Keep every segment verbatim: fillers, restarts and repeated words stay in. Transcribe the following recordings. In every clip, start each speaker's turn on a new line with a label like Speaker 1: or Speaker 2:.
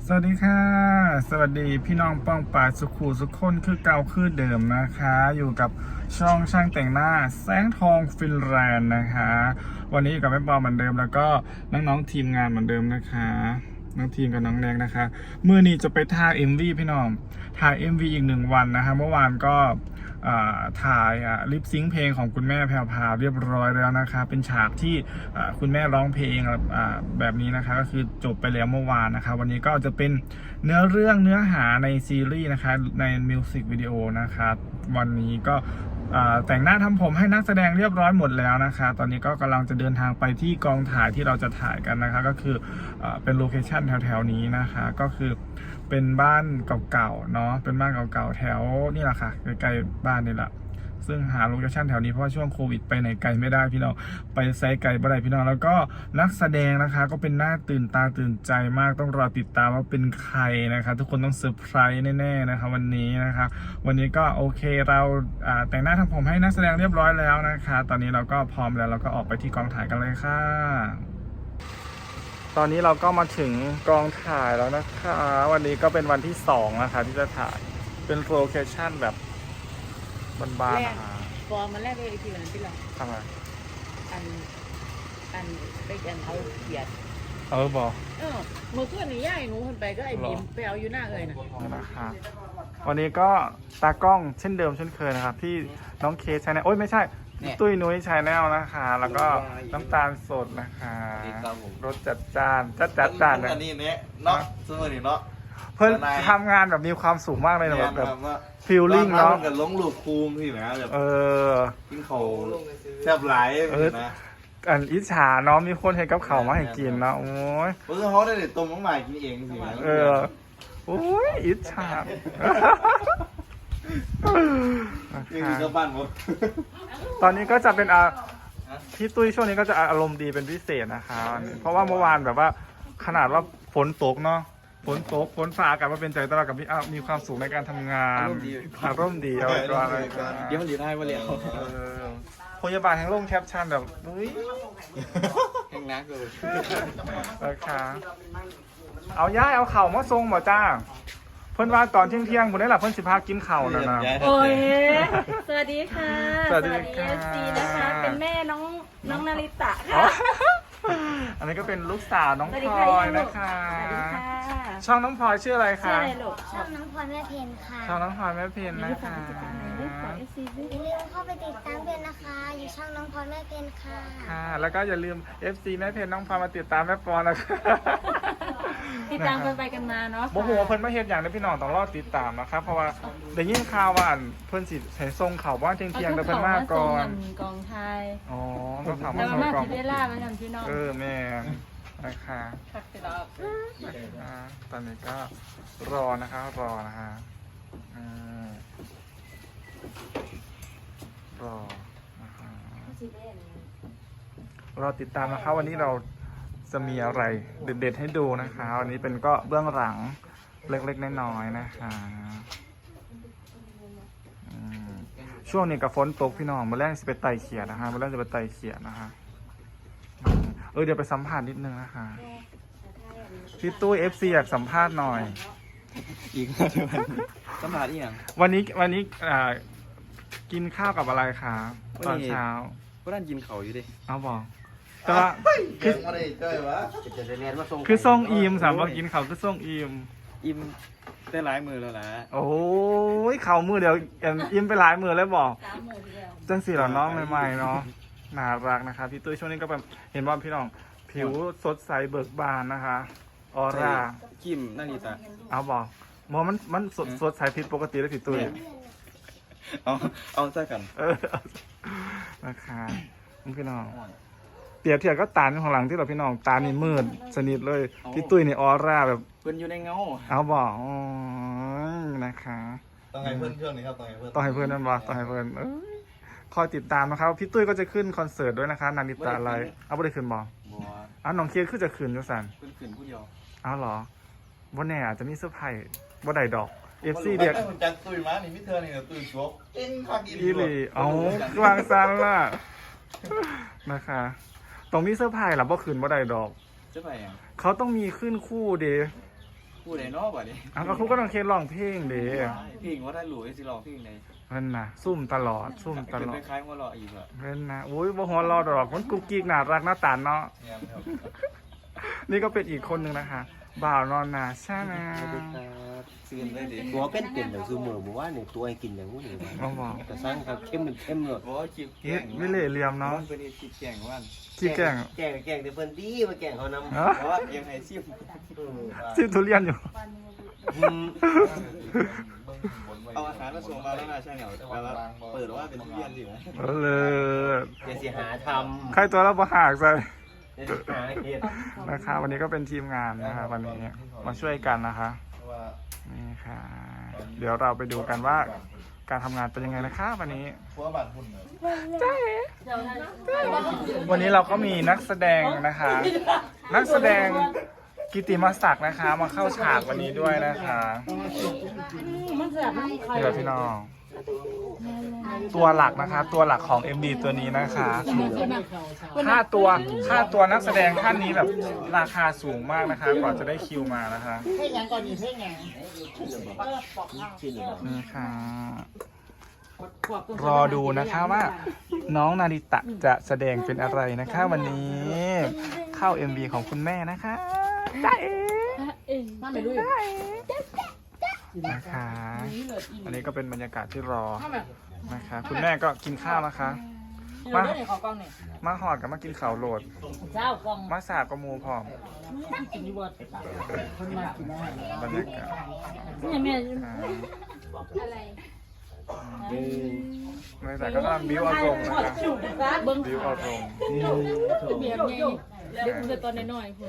Speaker 1: สวัสดีค่ะสวัสดีพี่น้องป้องปราสุขูสุขคนคือเก่าคือเดิมนะคะอยู่กับช่องช่างแต่งหน้าแสงทองฟินแลนด์นะคะวันนี้อยู่กับแม่ปอเหมือนเดิมแล้วก็น้องๆทีมงานเหมือนเดิมนะคะน้องทีมกับน้องแดงนะคะเมื่อนี้จะไปถ่าย เอ็ม วี พี่น้องถ่าย เอ็ม วี อีกหนึ่งวันนะคะเมื่อวานก็ถ่ายลิปซิงค์เพลงของคุณแม่แพรวพราวเรียบร้อยแล้วนะคะเป็นฉากที่คุณแม่ร้องเพลงแบบนี้นะคะก็คือจบไปแล้วเมื่อวานนะคะวันนี้ก็จะเป็นเนื้อเรื่องเนื้อหาในซีรีส์นะคะในมิวสิกวิดีโอนะคะวันนี้ก็แต่งหน้าทำผมให้นักแสดงเรียบร้อยหมดแล้วนะคะตอนนี้ก็กำลังจะเดินทางไปที่กองถ่ายที่เราจะถ่ายกันนะคะก็คือเป็นโลเคชั่นแถวๆนี้นะคะก็คือเป็นบ้านเก่าๆเนาะเป็นบ้านเก่าๆแถวนี่แหละค่ะใกล้ๆบ้านนี่แหละซึ่งหาโลเคชั่นแถวนี้เพราะว่าช่วงโควิดไปไหนไกลไม่ได้พี่น้องไปไซต์ไกลไม่ได้พี่น้องแล้วก็นักแสดงนะคะก็เป็นหน้าตื่นตาตื่นใจมากต้องรอติดตามว่าเป็นใครนะคะทุกคนต้องเซอร์ไพรส์แน่ๆนะคะวันนี้นะคะวันนี้ก็โอเคเราแต่งหน้าทำผมให้นักแสดงเรียบร้อยแล้วนะคะตอนนี้เราก็พร้อมแล้วเราก็ออกไปที่กองถ่ายกันเลยค่ะตอนนี้เราก็มาถึงกองถ่ายแล้วนะคะวันนี้ก็เป็นวันที่สองนะคะที่จะถ่ายเป็นโลเคชั่นแบบบ้านๆนะคะ
Speaker 2: ฟอร์มมันแรกเลยทีวันนั้นที่เรา
Speaker 1: ทำไม
Speaker 2: อันอันไปกันเอาเขียด
Speaker 1: เออบอก
Speaker 2: เออเมื่อคืนนี้ย่ายหนูคนไปก็ไอ้บิมไปเอาอยู่หน้าเลยนะ
Speaker 1: นะคะวันนี้ก็ตากล้องเช่นเดิมเช่นเคยนะครับที่น้องเคสชาแนลโอ๊ยไม่ใช่ตุ้ยนุ้ยชาแนลนะคะแล้วก็น้ำตาลสดนะคะรสจัดจ้านจัดจัดจ้าน
Speaker 3: อันนี้เนี่ยเนาะซึ่งวันนี้เนาะ
Speaker 1: เพิ่นทำงานแบบมีความสุขมากเลยนะแบบฟีลลิ่งเนาะ
Speaker 3: กันล้มลูกคูมที่นะแบบ
Speaker 1: เออ
Speaker 3: กินเขาแซ่บหลายนะ
Speaker 1: อันอิจฉาเนาะมีคนให้กับเขามาให้กินเนาะโอ้ย
Speaker 3: เพราะเขาได้เด็ดต้มน้องใหม่กินเองสิ
Speaker 1: เออโอ้ยอิจฉา
Speaker 3: นี่คือบ้านหมด
Speaker 1: ตอนนี้ก็จะเป็นอ่ะพี่ตุ้ยช่วงนี้ก็จะอารมณ์ดีเป็นพิเศษนะคะเพราะว่าเมื่อวานแบบว่าขนาดว่าฝนตกเนาะฝนตกฝนฟ้าอากาศมาเป็นใจตลอดกับพี่อ้าวมีความสุขในการทำงานอารมณ์ดีเอาไว้ก่อนเลย
Speaker 3: เดี๋ยวมันดีได้มาแล้ว
Speaker 1: พยาบาลแห่งโลกแคปชั่นแบบเฮ้ย
Speaker 3: แห่งนักเลย
Speaker 1: นะคะเอาย่ายเอาเข่ามาทรงบ่จ้าเพิ่นว่าตอนเที่ยงเที่ยงผมได้หลับเพิ่นสิพากินเข่านะนะ
Speaker 2: โอ้ยสวัสดีค่ะ
Speaker 1: สวัสดีเอ
Speaker 2: ฟซีนะคะเป็นแม่น้องน้องนาริตะค่ะ
Speaker 1: อันนี้ก็เป็นลูกสาวน้องพลอยนะคะช่องน้องพลอยชื่ออะไรคะ
Speaker 4: ช่องน้องพลอยแม่เพนค่ะ
Speaker 1: ช่องน้องพลอยแม่เพนนะคะ
Speaker 4: อย่าลืมเข้าไปติดตามเพนนะคะอยู่ช่องน้องพลอยแม่เพนค่ะ
Speaker 1: ค่ะแล้วก็อย่าลืม เอฟ ซี แม่เพนน้องพลอยมาติดตามแม่ปอนะคะ
Speaker 2: ติดตามกันไปกันมาเนาะ
Speaker 1: โมโหเพิ่นมาเฮ็ดอย่างนี้พี่น้องต้องรอติดตามนะครับเพราะว่าได้ยินข่าวว่าเพิ่นสิใช้ทรงเขาว่าเที่ยงเที่ยงแต่เพิ่นมาก่อน
Speaker 2: กองไทย
Speaker 1: อ๋อต้องถาม
Speaker 2: ว่า
Speaker 1: กอง
Speaker 2: เวลามาทำพี่น้อง
Speaker 1: เออแม่นะคะตอนนี้ก็รอนะคะรอนะคะรอนะคะรอติดตามนะคะวันนี้เราจะมีอะไรเด็ดๆให้ดูนะคะวันนี้เป็นก็เบื้องหลังเล็กๆน้อยๆนะคะช่วงนี้กับฝนตกพี่น้องมาแรกจะไปไต่เขียดนะคะมาแรกจะไปไต่เขียดนะคะเออเดี๋ยวไปสัมภาษณ์นิดนึงนะคะพี่ตู้เอฟซีอยากสัมภาษณ์หน่อย
Speaker 3: อีกแล้วเดี๋ยวสัมภาษณ์อีกอย่าง
Speaker 1: วันนี้วันนี้กินข้าวกับอะไรคะตอนเช้า
Speaker 3: ก็นั่นกินเขาอยู่ดิ
Speaker 1: เอาบอกแต่ว่า
Speaker 3: คือ
Speaker 1: คือส่งอิมสามบอกกินเขาคือส่งอิม
Speaker 3: อิมได้หลายมือแล้วนะ
Speaker 1: โอ้ยเข่ามือเดียวอิมไปหลายมือแล้วบอกจังสีเหล่าน้องใหม่ๆเนาะน่ารักนะคะพี่ตุ้ยช่วงนี้ก็แบบเห็นว่าพี่น้องผิวสดใสเบิกบานนะคะออร่า
Speaker 3: กิมนั่นนี่ตา
Speaker 1: เอาบอกมองมันมันสดสดใสผิดปกติแล้วพี่ตุ้ย
Speaker 3: เอาเอาใช่กัน
Speaker 1: เออนะคะพี่น้องเปรียบเทียบก็ตาของหลังที่เราพี่น้องตานี่มืดสนิทเลยพี่ตุ้ยนี่ออร่าแบบ
Speaker 3: เพื่อนอยู่ในเงา
Speaker 1: เอาบอกนะคะ
Speaker 3: ต้องให้เพื่อนเพื่อนนี่ครับต้องให้เพื่อน
Speaker 1: ต้องให้เพื่อนนั่นบอกต้องให้เพื่อนคอยติดตามนะครับพี่ตุ้ยก็จะขึ้นคอนเสิร์ตด้วยนะคะนาริตะอะไรเอาไม่ได้ขึ้นบอกอ้าวน้องเคียร์ขึ้นจะขึ้นยุสัน
Speaker 3: ขึ้นผู้เดียว
Speaker 1: เอาหรอวันนี้อาจจะมีเซอร์ไพรส์วันใดดอกเอฟซีเด็ก
Speaker 3: จักตุ้ยมานี่มิเธอนี่ตุ้ยชกเอ็นคัก
Speaker 1: อีหลีเอาวางซันล่ะนะคะตรงมีเซอร์ไพรส์หรอว่าขึ้นวันใดดอก
Speaker 3: เซอร์ไพรส์เขา
Speaker 1: ต้องมีขึ้นคู่เด
Speaker 3: พูดไหนเนาะบ่เนี่ย
Speaker 1: อ้าวก็ครูก็ต้องเคสร้องเพลงเด้
Speaker 3: เพลงว่าได้หลุยสิร้องเพลงไหน
Speaker 1: เพิ่นน่ะซุ่มตลอดซุ่มตลอ
Speaker 3: เป็
Speaker 1: ด
Speaker 3: นคล้ายๆว่ารออีกอ่ะ
Speaker 1: เพิ่นน่ะโอ้ยบ่ฮอดรอดอกมันกุ๊กกิ๊กน่ารักน่าตาลเนาะนี่ก็เป็นอีกคนหนึงนะคะบ่าวนอนนาใช่ไหม
Speaker 3: ซื้อได้ดิ
Speaker 5: ตัวเป็นเป็นแบบซูโม่บอกว่าเนี่ยตัวให้กินอย่างงู้นนี่
Speaker 1: บ่บอก
Speaker 5: แต่สร้างครับเข้มมันเข้มเลย
Speaker 3: บอกว่าคลิป
Speaker 1: เฮ็ดวิเล่เหลี่ยมเนาะ
Speaker 3: มันเป็นคลิปแข่งวัน
Speaker 1: ขี้แกล้ง
Speaker 5: แกงแกงเดี๋ยวเพิ่นดีมาแกงเขานำ
Speaker 1: เอ้อ
Speaker 3: เพราะว่าเอ็มไฮซิม
Speaker 1: ซิทุเรียนอยู่
Speaker 3: เอาอาหารมาส่งมาแล้วนะใช่เหรอแต่ว่าเปิดว่าเป็นทุเรียนสิไหม
Speaker 1: เออเลย
Speaker 5: เดี๋ยวสิหาท
Speaker 1: ใครตัวเราบ่หากใส่
Speaker 5: ำเดี๋ยวสิหาเห็ด
Speaker 1: นะคะวันนี้ก็เป็นทีมงานนะคะวันนี้มาช่วยกันนะคะนี่ค่ะ เดี๋ยวเราไปดูกันว่าการทำงานเป็นยังไงนะคะวันนี้ใช่วันนี้เราก็มีนักแสดงนะคะ นักแสดงกิตติมศักดิ์นะคะมาเข้าฉากวันนี้ด้วยนะคะนี่แหละพี่น้องตัวหลักนะคะ ตัวหลักของ เอ็ม ดี ตัวนี้นะคะค่าตัวค่าตัวนักแสดงท่านนี้แบบราคาสูงมากนะคะกว่าจะได้คิวมานะคะนี่ค่ะรอดูนะคะว่าน้องนาริตะจะแสดงเป็นอะไรนะคะ วันนี้เข้า เอ็ม วี ของคุณแม่นะคะได้เองได้นะคะอันนี้ก็เป็นบรรยากาศที่รอนะคะคุณแม่ก็กินข้าวนะคะมามาหอดกับมากินข้าวโหลดมาสาบกับหมูพร้อมบรรยากาศไม่แต่ก็กำลังบิ้วอารมณ์นะคะบิ้วอารมณ์
Speaker 2: เบียร์ไงเด็กคุณตอนน้อยๆคุณ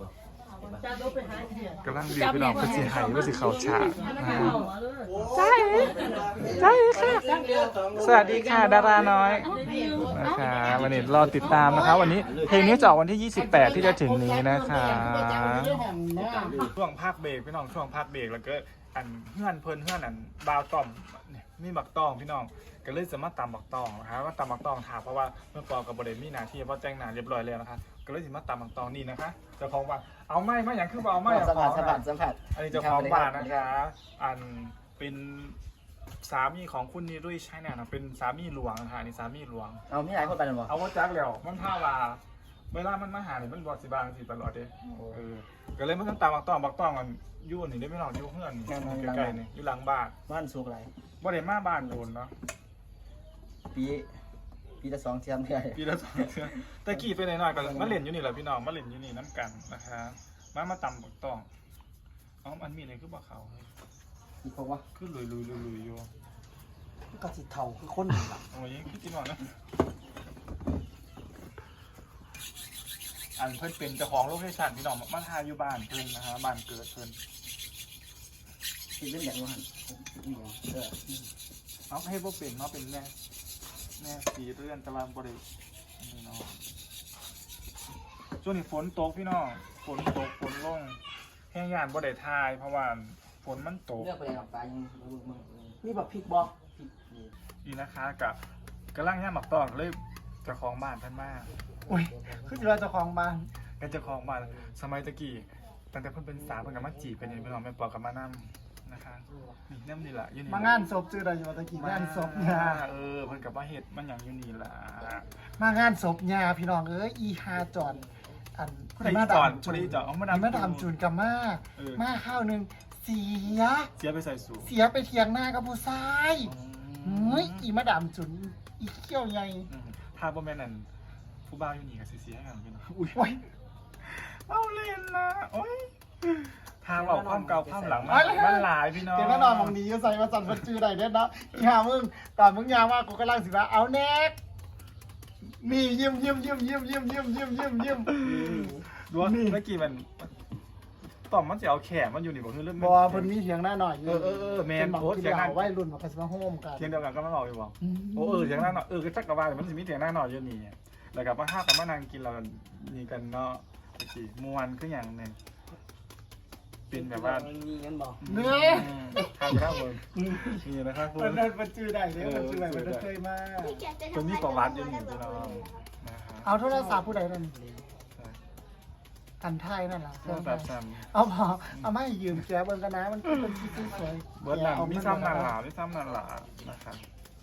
Speaker 1: กำลังบิ้วพี่น้องเพื่อสิหายเพื่อสิเขาฉากใช่ใช่ค่ะสวัสดีค่ะดาราน้อยนะคะวันนี้รอติดตามนะคะวันนี้เพลงนี้จะออกวันที่ยี่สิบแปดที่จะถึงนี้นะคะช่วงภาคเบรกพี่น้องช่วงภาคเบรกแล้วก็อันเพื่อนเพิ่นเพื่อนอันบาวต่อมมีบักตองพี่น้องก็เลยจะมาตำบักตองนะคะว่าตำบักตองถามเพราะว่าเมื่อก่อนกับบริเวณมีหนาที่เพราะแจ้งหนาเรียบร้อยแล้วนะคะก็เลยจะมาตำบักตองนี่นะคะเจ้าของว่าเอาไม้มาอย่างคือเอาไม้
Speaker 5: สัมผัสสัมผัสสัมผัส
Speaker 1: อันนี้เจ้าของบ้านนะคะอันเป็นสามีของคุณนิรุ่ยใช่เนี่ยนะเป็นสามีหลวงนะคะอันนี้สามีหลวง
Speaker 5: เอาไม่หลายคนไปหรอ
Speaker 1: เอาว่าจักแล้วมันท่าว่าเวลามันมาหาเนี่ยมันบอกสิบางสิตลอดเด้เออก็เลยมันต้องตำบักตองบักตองกันยู่นี่ได้ไม่หรอกยู่เพื่อนใกล้ๆนี่อยู่หลังบ้าน
Speaker 5: บ้านสุกไร
Speaker 1: บ่ได้มาบ้านโดนเนาะ
Speaker 5: ปีปีละสองเทียมเท่าไหร่
Speaker 1: ปีละสองเทื่อตะกี้ไปหน่อยๆก็มาเล่นอยู่นี่แหละพี่น้องมาเล่นอยู่นี่น้ำกันนะคะมามาตำบักตองอ๋อมันมีอะไรคือบ่เขาเฮ้ย
Speaker 5: มีเพราะว่า
Speaker 1: คือลุยลุยลุยลุยอยู่
Speaker 5: ก็สิเท่าคือคน
Speaker 1: โอ้ยพี่กินหน่อยนะอันเพิ่นเป็นเจ้าของโลเคชั่นพี่น้องมาทายอยู่บ้านเพิ่นนะฮะบ้านเกิดเพิ่น
Speaker 5: ที่เล่นอย่างนั้นเออ
Speaker 1: เอาให้พวกเป็นเนาะเป็นแม่แม่สีเรือนตะวันบรินี่เนาะช่วงนี้ฝนตกพี่น้องฝนตกฝนลงแห้งยานบ่ได้ทายเพราะว่าฝนมันตก
Speaker 5: เลือกไปกับปลายังมึงนี่แบบพริกบอกพริก
Speaker 1: นี่นะคะกับกระลังย่าหมักตองเลยเจ้าของบ้านท่านมาก
Speaker 5: อุ้ยคือเราเจ้าของบ้าน
Speaker 1: เป็นเจ้าของบ้านสมัยตะกี้ตั้งแต่เพิ่นเป็นสาวเพิ่นกับมาจีบเป็นยังพี่น้องแม่ปอกับมานั่นะคะนี่น้ำนี่แหละอยู่นี่
Speaker 6: มางานศพชื่ออะไรอยู่ตะกี้งานศพยา
Speaker 1: เออเพิ่นกับมาเฮ็ดมันอย่างอยู่นี่ล่ะ
Speaker 6: มางานศพยาพี่น้องเอ้ยอีฮาจอนอัน
Speaker 1: ผู้ใดอีจอนผู้ใดอีจอนเอามาดาม
Speaker 6: มาดามจูนกับมา
Speaker 1: เออ
Speaker 6: มาข้าวหนึ่งเสีย
Speaker 1: เสียไปใส่สูง
Speaker 6: เสียไปเถียงหน้ากับผู้ชายเฮ้ยอีมาดามจูนอีเขี้ยวใหญ่
Speaker 1: อืมถ้าบ่แม่นนั่นผู้บ่าวอยู่นี่ก็สิเสียกันพี่น้องอุ้ย
Speaker 6: โอ้ย
Speaker 1: เอาเล่นนะโอ้ยทางออกความเก่าความหลังมันมันหลายพี่น้อง
Speaker 6: เดี๋ยวแน่นอนมองนี้อยู่ใส่มาสั่นคนจื้อใดเด็ดเนาะอีหามึงตอนมึงยาวมากกูกำลังสิว่าเอาแน็กนี่ยิ้มยิ้มยิ้มยิ้มยิ้มยิ้มยิ้มยิ้มยิ้ม
Speaker 1: ดูว่าเมื่อกี้มันต่อมมันจะเอาแขนมันอยู่นี่บ่คือเรื่อง
Speaker 6: บอเพิ่นมีเถียงหน้าหน่อย
Speaker 1: เออเออเออแมน
Speaker 6: โอ้
Speaker 1: โอ้
Speaker 6: เถี
Speaker 1: เถี
Speaker 6: ย
Speaker 1: ย
Speaker 6: ง
Speaker 1: ง
Speaker 6: ห
Speaker 1: ห
Speaker 6: น้า
Speaker 1: น้า
Speaker 6: ไว้รุ่นมาไปสมาโฮมกัน
Speaker 1: เถียงเดียวกันก็ไม่บอกอยู่บ่โอ้เออเถียงหน้าหน่อยเออก็จักกะว่ามันสิมีเถียงหน้าหน่อยอยู่นี่แล้วก็มาห้ากันมานั่งกินเรานี่กันเนาะโอเคมวนคืออย่างนึงเป็นแบบว่า
Speaker 5: มีเงินบอก
Speaker 6: เนื้อ
Speaker 1: ทางข้าวเมืองนี่นะครับคุณ
Speaker 6: มันมันจื้อได้เลยมันจื้อได้มันเคยมา
Speaker 1: คนมีประวัติอยู่นี่พี่น้องนะครับ
Speaker 6: เอาโทรศัพท์ผู้ใดนั่นอันไทยนั่นแหละ
Speaker 1: เครื่องตัดซ้
Speaker 6: เอาพอเอาไม่ยืมแกเบิ้งกันนะมันเป็นที่สวย
Speaker 1: ำเบิร์ดหนังมีซ้ำนันหลามีซ้ำนันหลานะครับ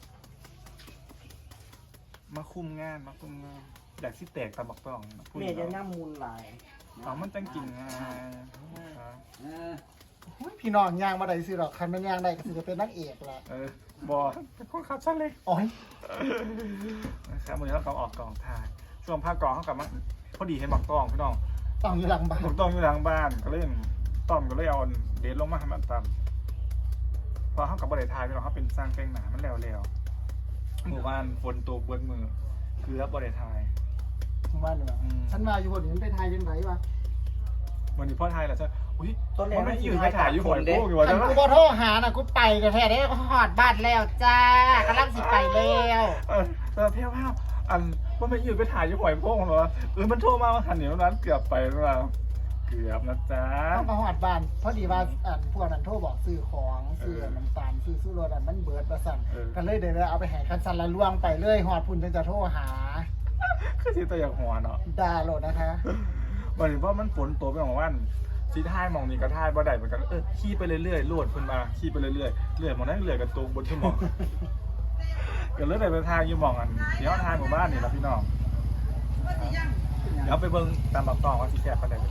Speaker 1: มาคุมงานมาคุมงานอยากสิแตกตะบักต้องพูด
Speaker 5: เมียจะ
Speaker 1: เนาะ
Speaker 5: ย่ำมูลหลาย
Speaker 1: เอามันจังกินง่ายครับ
Speaker 6: พี่น้องย่างมาได้สิหรอกใครไม่ย่างได้ก็จะเป็นนักเอกแหละ
Speaker 1: เออบอเป็นคนขับซะเลย
Speaker 6: โอ้ย
Speaker 1: นะครับวันนี้เรากำลังออกกองถ่ายช่วงภาคกองเขากลับมาพอดีเห็นบักตองพี่น้อง
Speaker 6: ต้องอยู่หลังบ้าน
Speaker 1: บักตองอยู่หลังบ้านก็เล่นต้อมก็เลยเอาเดทลงมาให้มันตำพอเขากับบริษัทพี่น้องเขาเป็นสร้างเพลงหนามันแล้วๆหมู่บ้านฝนตกเบิดมือคือรับบริษัท
Speaker 6: บ้านเหนือ
Speaker 1: อืม
Speaker 6: ฉันมาอยู่บนนี้ไปไทยยังไงวะ
Speaker 1: วันนี้พ่อไทยเหรอใช่อุ้ย
Speaker 5: ต้นแรก
Speaker 1: มันไม่อยู่ไปถ่ายอยู่หัวโค้งอยู่
Speaker 6: ฉั
Speaker 1: วะ
Speaker 6: น
Speaker 1: ใช่ไหม
Speaker 6: กูบอโทรหาน่ะกูไปกันแท้ได้หอดบ้านแล้วจ้ากำลังสิไปแล้ว
Speaker 1: เออแต่เพี้ยวๆอันว่าไม่อยู่ไปถ่ายอยู่หัวโค้งเหรอเออมันโทรมาว่าหันเหนียวนั้นเกือบไปแล้วเกือบนะจ๊ะ
Speaker 6: ต้องมาหอดบ้านพอดีว่าอันพวกนั้นโทรบอกซื้อของซื้อน้ำตาลซื้อสู้รถอันมันเบิดประสั่นกันเลยเดี๋ยวเอาไปแห่คันซันละล่วงไปเลยหอดพุ่นจึงจะโทรหา
Speaker 1: คือที่ตัวอย่างหัวเนาะ
Speaker 6: ด่าโหลดนะคะ
Speaker 1: วันนี้เพราะมันฝนตัวไปของวันซีท้ายมองนี่ก็ท้ายบ่ได้เหมือนกันเออขี่ไปเรื่อยๆลวดขึ้นมาขี่ไปเรื่อยๆเรื่อยมองนั่นเรื่อยกันตัวบนที่มองก็เลยได้ไปทางยี่มองกันเดี๋ยวทางหมู่บ้านนี่ละพี่น้องเดี๋ยวไปเบิ่งตามบักตองว่าสิแซ่บปลาแดก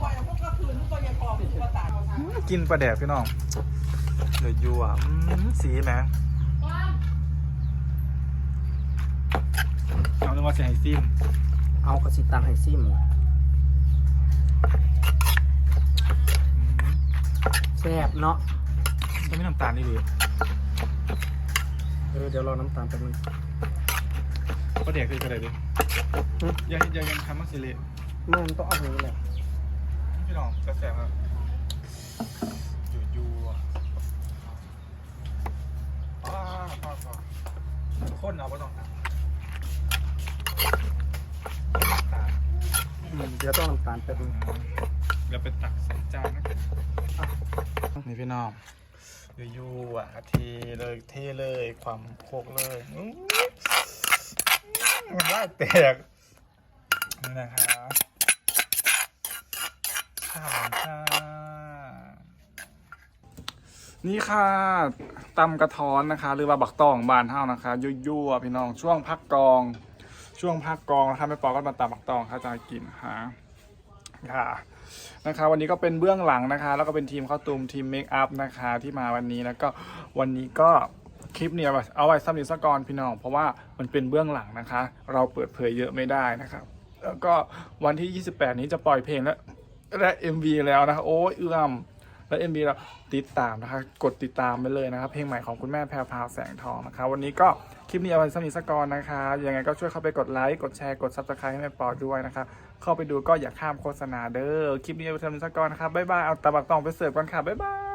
Speaker 1: กินปลาแดกพี่น้องเดือดยัวสีไหมเอาเรื่องว่าจะให้ซิม
Speaker 5: เอากระสิตังให้ซิมแซ่บเนาะ
Speaker 1: จะไม่น้ำตาลนี่ดี
Speaker 5: เออเดี๋ยวรอน้ำตาลแป๊บนึง
Speaker 1: ปลาแดกคือกระไรดิอย่าอย่ายังทำมักสิเละ
Speaker 5: เมื่อมันต้องเอาอย่างนี้แหละ
Speaker 1: พี่น้องจะแซ่บครับอยู่อยู่อ่ะอ้าวพ่อพ่อข้นเอาไปต้องตาล
Speaker 5: อืมเดี๋ยวต้องน้ำตาลแป๊บนึง
Speaker 1: เดี๋ยวไปตักใส่จานนะนี่พี่น้องอยู่อยู่อ่ะเทเลยเทเลยความโคกเลยอื้อมันไล่แตกนี่นะครับข้าวจ้านี่ค่ะตำกระท้อนนะคะ หรือว่าบักตองบานเท่านะคะยั่วๆพี่น้องช่วงพักกองช่วงพักกองนะคะแม่ปอก็มาตำบักตองค่ะจะกินค่ะค่ะนะคะวันนี้ก็เป็นเบื้องหลังนะคะแล้วก็เป็นทีมข้าวตูมทีมเมคอัพนะคะที่มาวันนี้แล้วก็วันนี้ก็คลิปเนี่ยเอาไว้ซ้ำอีกสักก่อนพี่น้องเพราะว่ามันเป็นเบื้องหลังนะคะเราเปิดเผยเยอะไม่ได้นะครับแล้วก็วันที่ยี่สิบแปดนี้จะปล่อยเพลงแล้วและ เอ็ม วี แล้วนะคะโอ้ยเอื้อมและ เอ็ม วี เราติดตามนะคะกดติดตามไปเลยนะครับเพลงใหม่ของคุณแม่แพรวพราวแสงทองนะคะวันนี้ก็คลิปนี้เอาไว้ซ้ำอีกสักก่อนนะคะยังไงก็ช่วยเข้าไปกดไลค์กดแชร์กด ซับสไครบ์ ให้แม่ปอด้วยนะคะเข้าไปดูก็อย่าข้ามโฆษณาเด้อคลิปนี้เอาไว้ซ้ำอีกสักก่อนนะครับบ๊ายบายเอาตะบักตองไปเสิร์ฟกันค่ะบ๊ายบาย